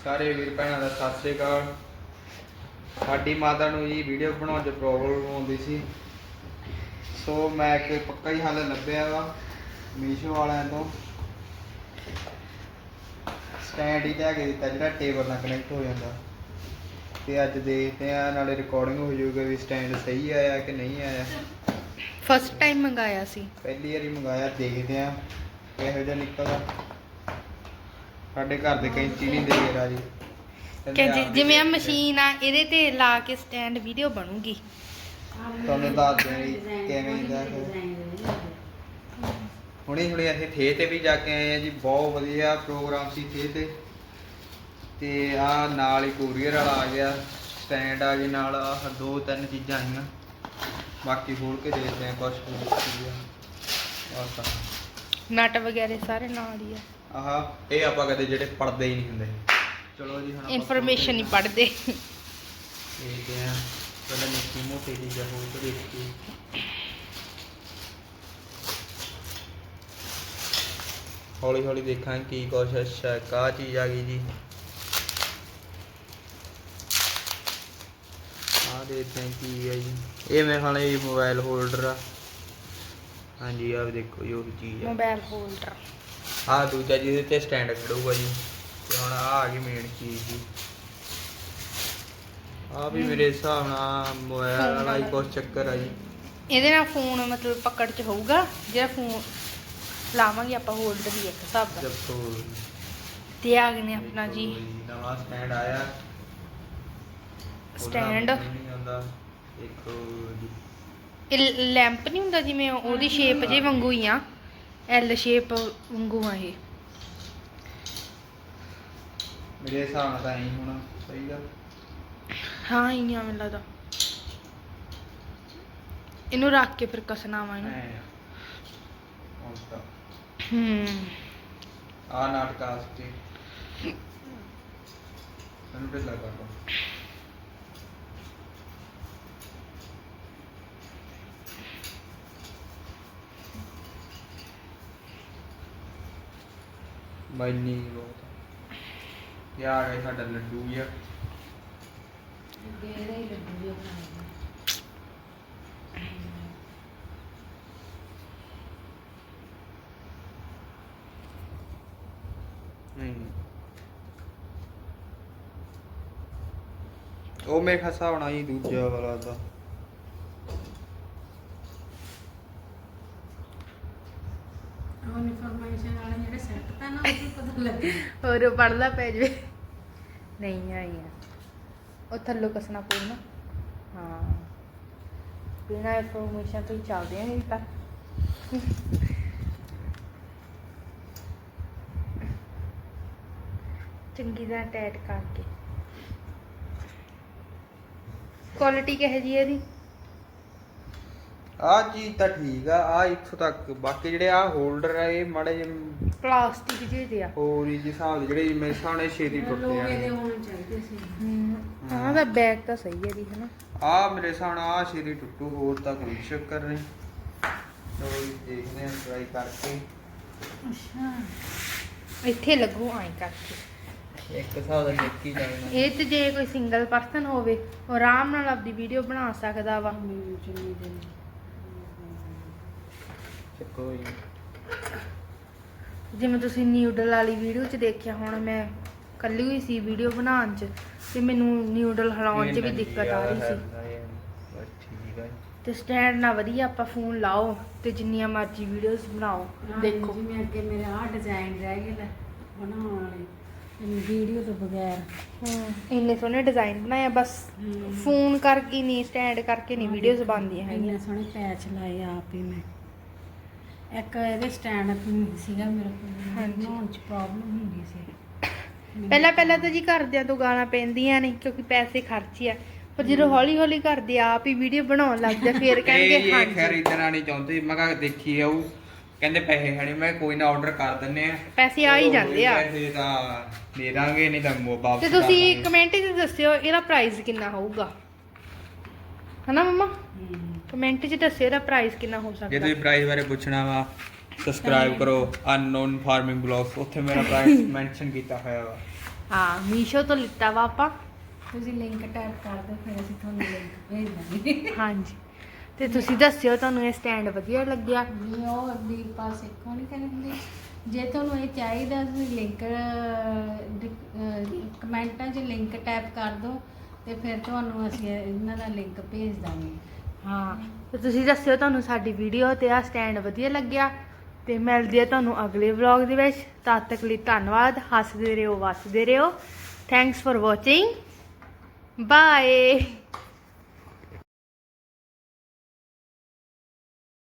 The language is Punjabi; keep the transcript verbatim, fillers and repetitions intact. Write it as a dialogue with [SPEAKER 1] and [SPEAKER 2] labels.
[SPEAKER 1] ਸਾਰੇ ਵੀਰ ਭੈਣਾਂ ਦਾ ਸਤਿ ਸ਼੍ਰੀ ਅਕਾਲ। ਸਾਡੀ ਮਾਤਾ ਨੂੰ ਜੀ ਵੀਡੀਓ ਬਣਾਉਣ 'ਚ ਪ੍ਰੋਬਲਮ ਆਉਂਦੀ ਸੀ, ਸੋ ਮੈਂ ਇੱਕ ਪੱਕਾ ਹੀ ਹੱਲ ਲੱਭਿਆ ਵਾ ਮੀਸ਼ੋ ਵਾਲਿਆਂ ਤੋਂ। ਸਟੈਂਡ ਹੀ ਲੈ ਕੇ ਦਿੱਤਾ ਜਿਹੜਾ ਟੇਬਲ ਨਾਲ ਕਨੈਕਟ ਹੋ ਜਾਂਦਾ, ਤੇ ਅੱਜ ਦੇਖਦੇ ਆ, ਨਾਲੇ ਰਿਕਾਰਡਿੰਗ ਹੋ ਜਾਊਗਾ ਵੀ ਸਟੈਂਡ ਸਹੀ ਆਇਆ ਕਿ ਨਹੀਂ ਆਇਆ।
[SPEAKER 2] ਫਸਟ ਟਾਈਮ ਮੰਗਾਇਆ ਸੀ,
[SPEAKER 1] ਪਹਿਲੀ ਵਾਰੀ ਮੰਗਾਇਆ, ਦੇਖਦੇ ਆ ਕਿਹੋ ਜਿਹਾ ਨਿਕਲਦਾ। ਸਾਡੇ ਘਰ ਦੇ ਕੈਂਚੀ ਨਹੀਂ ਦੇ ਕੇ ਰਾਜੀ,
[SPEAKER 2] ਕਿ ਜਿਵੇਂ ਆ ਮਸ਼ੀਨ ਆ ਇਹਦੇ ਤੇ ਲਾ ਕੇ ਸਟੈਂਡ ਵੀਡੀਓ ਬਣੂਗੀ।
[SPEAKER 1] ਤੁਹਾਨੂੰ ਦੱਸ ਦੇ ਕਿਵੇਂ ਦਾ। ਹੁਣੇ ਹੁਣੇ ਅਸੀਂ ਥੇ ਤੇ ਵੀ ਜਾ ਕੇ ਆਏ ਆ ਜੀ, ਬਹੁਤ ਵਧੀਆ ਪ੍ਰੋਗਰਾਮ ਸੀ ਥੇ ਤੇ। ਤੇ ਆ ਨਾਲ ਹੀ ਕੋਰੀਅਰ ਵਾਲਾ ਆ ਗਿਆ, ਸਟੈਂਡ ਆ ਗਈ ਨਾਲ, ਆਹ ਦੋ ਤਿੰਨ ਚੀਜ਼ਾਂ ਆਈਆਂ। ਬਾਕੀ ਖੋਲ ਕੇ ਦੇਖਦੇ ਆ ਕੁਛ
[SPEAKER 2] ਨਟ ਵਗੈਰੇ ਸਾਰੇ ਨਾਲ ਹੀ ਆ।
[SPEAKER 1] ਆਹ ਇਹ ਆਪਾਂ ਕਦੇ ਜਿਹੜੇ ਪੜਦੇ ਹੀ ਨਹੀਂ ਹੁੰਦੇ। ਚਲੋ ਜੀ ਹੁਣ
[SPEAKER 2] ਇਨਫੋਰਮੇਸ਼ਨ ਨਹੀਂ ਪੜਦੇ।
[SPEAKER 1] ਦੇਖਦੇ ਆ ਪਹਿਲਾਂ ਨਿੱਕੀ ਮੋਟੀ ਚੀਜ਼ਾਂ ਹੋਰ ਤੋਂ ਦੇਖੀ। ਹੌਲੀ ਹੌਲੀ ਦੇਖਾਂ ਕੀ ਕੁਛ। ਅੱਛਾ ਇੱਕ ਆਹ ਚੀਜ਼ ਆ ਗਈ ਜੀ, ਆਹ ਦੇਖਦੇ ਆ ਕੀ ਹੈ ਜੀ। ਇਹ ਮੇਰੇ ਖਿਆਲ ਇਹ ਮੋਬਾਈਲ ਹੋਲਡਰ ਆ। ਹਾਂਜੀ ਆਹ ਦੇਖੋ ਜੋ ਚੀਜ਼ ਆ,
[SPEAKER 2] ਮੋਬਾਈਲ ਹੋਲਡਰ।
[SPEAKER 1] ਆਹ ਦੂਜਾ ਜਿਹਦੇ ਤੇ ਸਟੈਂਡ ਖੜੂਗਾ ਜੀ। ਤੇ ਹੁਣ ਆਹ ਆ ਗਈ ਮੇਨ ਚੀਜ਼ ਜੀ। ਆਹ ਵੀ ਮੇਰੇ ਹਿਸਾਬ ਨਾਲ ਮੋਬਾਈਲ ਵਾਲਾ ਹੀ ਕੁਛ ਚੱਕਰ ਆ ਜੀ।
[SPEAKER 2] ਇਹਦੇ ਨਾਲ ਫੋਨ ਮਤਲਬ ਪਕੜ ਚ ਹੋਊਗਾ, ਜਿਹੜਾ ਫੋਨ ਲਾਵਾਂਗੇ ਆਪਾਂ ਹੋਲਡਰ ਹੀ ਇੱਕ ਹਿਸਾਬ ਦਾ।
[SPEAKER 1] ਦੇਖੋ
[SPEAKER 2] ਤੇ ਆ ਗਏ ਨੇ ਆਪਣਾ ਜੀ
[SPEAKER 1] ਨਵਾਂ ਸਟੈਂਡ ਆਇਆ।
[SPEAKER 2] ਸਟੈਂਡ
[SPEAKER 1] ਨਹੀਂ ਆਉਂਦਾ ਇੱਕ ਜੀ,
[SPEAKER 2] ਇਹ ਲੈਂਪ ਨਹੀਂ ਹੁੰਦਾ ਜਿਵੇਂ ਉਹਦੀ ਸ਼ੇਪ ਜੇ ਵਾਂਗੂ ਹੀ ਆ, ਐਲ ਸ਼ੇਪ ਵਾਂਗੂ ਆ ਇਹ।
[SPEAKER 1] ਮੇਰੇ ਹਿਸਾਬ ਨਾਲ ਤਾਂ ਐਂ ਹੋਣਾ ਚਾਹੀਦਾ।
[SPEAKER 2] ਹਾਂ ਹੀ ਆ ਮੈਨੂੰ ਲੱਗਦਾ। ਇਹਨੂੰ ਰੱਖ ਕੇ ਫਿਰ ਕਸਣਾ ਵਾ ਇਹਨੂੰ।
[SPEAKER 1] ਹੁਣ ਤਾਂ
[SPEAKER 2] ਹੂੰ
[SPEAKER 1] ਆ ਨਾਟਕਾ ਸਤੇ ਮੈਨੂੰ ਢਿੱਲਾ ਕਰ ਦੋ। ਮੈਨੀ ਬਹੁਤ ਇਹ ਆ ਗਿਆ ਸਾਡਾ ਲੱਡੂ ਜਿਹਾ। ਨਹੀਂ ਉਹ ਮੇਰੇ ਖਸਾ ਹੋਣਾ ਜੀ ਦੂਜਾ ਵਾਲਾ ਦਾ।
[SPEAKER 2] ਹੋਰ ਪੜਦਾ ਪੈ ਜਵੇ। ਨਹੀਂ ਆਈ ਆ ਉਹ ਥੱਲੋਂ ਕਸਣਾ ਪਊਗਾ। ਹਾਂ ਬਿਨਾਂ ਇਨਫੋਰਮੇਸ਼ਨ ਤੋਂ ਹੀ ਚੱਲਦੇ ਆ ਇਹ ਤਾਂ। ਚੰਗੀ ਤਰ੍ਹਾਂ ਟਾਈਟ ਕਰਕੇ। ਕੁਆਲਿਟੀ ਕਿਹੋ ਜਿਹੀ ਇਹਦੀ?
[SPEAKER 1] ਆ ਚੀਜ਼ ਤਾਂ ਠੀਕ ਆ, ਆ ਇੱਥੋਂ ਤੱਕ। ਬਾਕੀ ਜਿਹੜੇ ਆ ਹੋਲਡਰ ਆ ਇਹ ਮਾੜੇ ਜਿਹੇ
[SPEAKER 2] ਪਲਾਸਟਿਕ ਜਿਹੇ ਦੇ ਆ।
[SPEAKER 1] ਹੋਰ ਹੀ ਹਿਸਾਬ ਦੇ ਜਿਹੜੇ ਮੇਰੇ ਸਾਹਮਣੇ ਛੇਤੀ ਟੁੱਟ ਜਾਣਗੇ।
[SPEAKER 2] ਹਾਂ ਦਾ ਬੈਗ ਤਾਂ ਸਹੀ ਹੈ ਦੀ ਹਨਾ।
[SPEAKER 1] ਆ ਮੇਰੇ ਸਾਹਮਣੇ ਆ ਛੇਤੀ ਟੁੱਟੂ, ਹੋਰ ਤਾਂ ਕੋਈ ਚੱਕਰ ਨਹੀਂ। ਚਲੋ ਜੀ ਦੇਖਦੇ ਆ ਟਰਾਈ ਕਰਕੇ।
[SPEAKER 2] ਅੱਛਾ ਇੱਥੇ ਲੱਗੂ ਆਈ ਕਰਕੇ
[SPEAKER 1] ਇੱਕ ਹਿਸਾਬ ਦਾ ਨਿੱਕੀ ਜਾਣਾ।
[SPEAKER 2] ਇਹ ਤੇ ਜੇ ਕੋਈ ਸਿੰਗਲ ਪਰਸਨ ਹੋਵੇ ਉਹ ਆਰਾਮ ਨਾਲ ਆਪਦੀ ਵੀਡੀਓ ਬਣਾ ਸਕਦਾ ਵਾ।
[SPEAKER 1] ਚੱਕੋ ਜੀ
[SPEAKER 2] ਜਿਵੇਂ ਤੁਸੀਂ ਨਿਊਡਲ ਵਾਲੀ ਵੀਡੀਓ 'ਚ ਦੇਖਿਆ ਹੁਣ, ਮੈਂ ਇਕੱਲੀ ਹੋਈ ਸੀ ਵੀਡੀਓ ਬਣਾਉਣ 'ਚ ਤੇ ਮੈਨੂੰ ਨਿਊਡਲ ਹਿਲਾਉਣ 'ਚ ਵੀ ਦਿੱਕਤ ਆ ਰਹੀ ਸੀ।
[SPEAKER 1] ਠੀਕ ਹੈ
[SPEAKER 2] ਤੇ ਸਟੈਂਡ ਨਾਲ ਵਧੀਆ ਆਪਾਂ ਫੋਨ ਲਾਓ ਤੇ ਜਿੰਨੀਆਂ ਮਰਜ਼ੀ ਵੀਡੀਓਜ਼ ਬਣਾਓ। ਦੇਖੋ
[SPEAKER 3] ਜਿਵੇਂ ਅੱਗੇ ਮੇਰੇ ਆਹ ਡਿਜ਼ਾਈਨ ਰਹਿ ਗਏ ਲੈ ਬਣਾਉਣ ਵਾਲੇ ਵੀਡੀਓ ਤੋਂ ਬਗੈਰ।
[SPEAKER 2] ਹਾਂ ਇੰਨੇ ਸੋਹਣੇ ਡਿਜ਼ਾਈਨ ਬਣਾਇਆ, ਬਸ ਫੋਨ ਕਰਕੇ ਨਹੀਂ, ਸਟੈਂਡ ਕਰਕੇ ਨਹੀਂ ਵੀਡੀਓਜ਼ ਬਣਦੀਆਂ ਹੈਗੀਆਂ।
[SPEAKER 3] ਇੰਨੇ ਸੋਹਣੇ ਪੈਚ ਲਾਏ ਆਪ ਹੀ ਮੈਂ। ਇੱਕ ਇਹਦੇ ਸਟੈਂਡ ਸੀਗਾ ਮੇਰੇ ਕੋਲ, ਬਣਾਉਣ 'ਚ ਪ੍ਰੋਬਲਮ ਹੁੰਦੀ ਸੀ
[SPEAKER 2] ਪਹਿਲਾਂ ਪਹਿਲਾਂ ਤਾਂ ਜੀ ਘਰਦਿਆਂ ਤੋਂ ਗਾਲਾਂ ਪੈਂਦੀਆਂ ਨੇ ਕਿਉਂਕਿ ਪੈਸੇ ਖਰਚੇ ਆ, ਪਰ ਜਦੋਂ ਹੌਲੀ ਹੌਲੀ ਕਰਦੇ ਆਪ ਹੀ ਵੀਡੀਓ ਬਣਾਉਣ ਲੱਗਦੇ ਫਿਰ ਕਹਿਣਗੇ
[SPEAKER 1] ਹਾਂ ਖੈਰ ਇਦਾਂ ਨਹੀਂ ਚਾਹੁੰਦੇ। ਮੈਂ ਕਿਹਾ ਦੇਖੀ ਆਊ, ਕਹਿੰਦੇ ਪੈਸੇ ਹੈ ਨਹੀਂ। ਮੈਂ ਕੋਈ ਨਾ ਆਰਡਰ ਕਰ ਦਿੰਨੇ ਆ,
[SPEAKER 2] ਪੈਸੇ ਆ ਹੀ ਜਾਂਦੇ ਆ।
[SPEAKER 1] ਪੈਸੇ ਤਾਂ ਦੇ ਦਾਂਗੇ, ਨਹੀਂ ਤਾਂ ਵਾਪਸ।
[SPEAKER 2] ਤੇ ਤੁਸੀਂ ਕਮੈਂਟ 'ਚ ਦੱਸਿਓ ਇਹਦਾ ਪ੍ਰਾਈਸ ਕਿੰਨਾ ਹੋਊਗਾ, ਹਨਾ ਮੰਮਾ? ਕਮੈਂਟ 'ਚ ਦੱਸਿਓ ਇਹਦਾ ਪ੍ਰਾਈਸ ਕਿੰਨਾ ਹੋ ਸਕਦਾ।
[SPEAKER 1] ਜੇ ਤੁਸੀਂ ਪ੍ਰਾਈਸ ਬਾਰੇ ਪੁੱਛਣਾ ਵਾ ਸਬਸਕ੍ਰਾਈਬ ਕਰੋ ਅਨਨੋਨ ਫਾਰਮਿੰਗ ਬਲੌਗਸ, ਉੱਥੇ ਮੇਰਾ ਪ੍ਰਾਈਸ ਮੈਂਸ਼ਨ ਕੀਤਾ ਹੋਇਆ ਵਾ।
[SPEAKER 2] ਹਾਂ ਮੀਸ਼ੋ ਤੋਂ ਲਿੱਤਾ ਵਾ ਆਪਾਂ।
[SPEAKER 3] ਤੁਸੀਂ ਲਿੰਕ ਟੈਪ ਕਰ ਦਿਓ, ਫਿਰ ਅਸੀਂ ਤੁਹਾਨੂੰ ਲਿੰਕ ਭੇਜ ਦਾਂਗੇ।
[SPEAKER 2] ਹਾਂਜੀ ਤੇ ਤੁਸੀਂ ਦੱਸਿਓ ਤੁਹਾਨੂੰ ਇਹ ਸਟੈਂਡ ਵਧੀਆ ਲੱਗਿਆ।
[SPEAKER 3] ਨਹੀਂ ਉਹ ਅੱਗੇ ਪਾਸੇ ਕੋਣ ਕਹਿੰਦੇ, ਜੇ ਤੁਹਾਨੂੰ ਇਹ ਚਾਹੀਦਾ ਤੁਸੀਂ ਲਿੰਕ ਕਮੈਂਟਾਂ 'ਚ ਲਿੰਕ ਟੈਪ ਕਰ ਦਿਓ ਤੇ ਫਿਰ ਤੁਹਾਨੂੰ ਅਸੀਂ ਇਹਨਾਂ ਦਾ ਲਿੰਕ ਭੇਜ ਦਾਂਗੇ।
[SPEAKER 2] ਹਾਂ ਤੇ ਤੁਸੀਂ ਦੱਸਿਓ ਤੁਹਾਨੂੰ ਸਾਡੀ ਵੀਡੀਓ ਤੇ ਆ ਸਟੈਂਡ ਵਧੀਆ ਲੱਗਿਆ। ਤੇ ਮਿਲਦੀ ਆ ਤੁਹਾਨੂੰ ਅਗਲੇ ਵਲੌਗ ਦੇ ਵਿੱਚ। ਤਦ ਤੱਕ ਲਈ ਧੰਨਵਾਦ। ਹੱਸਦੇ ਰਹੋ, ਵੱਸਦੇ ਰਹੋ। Thanks for watching. ਬਾਏ।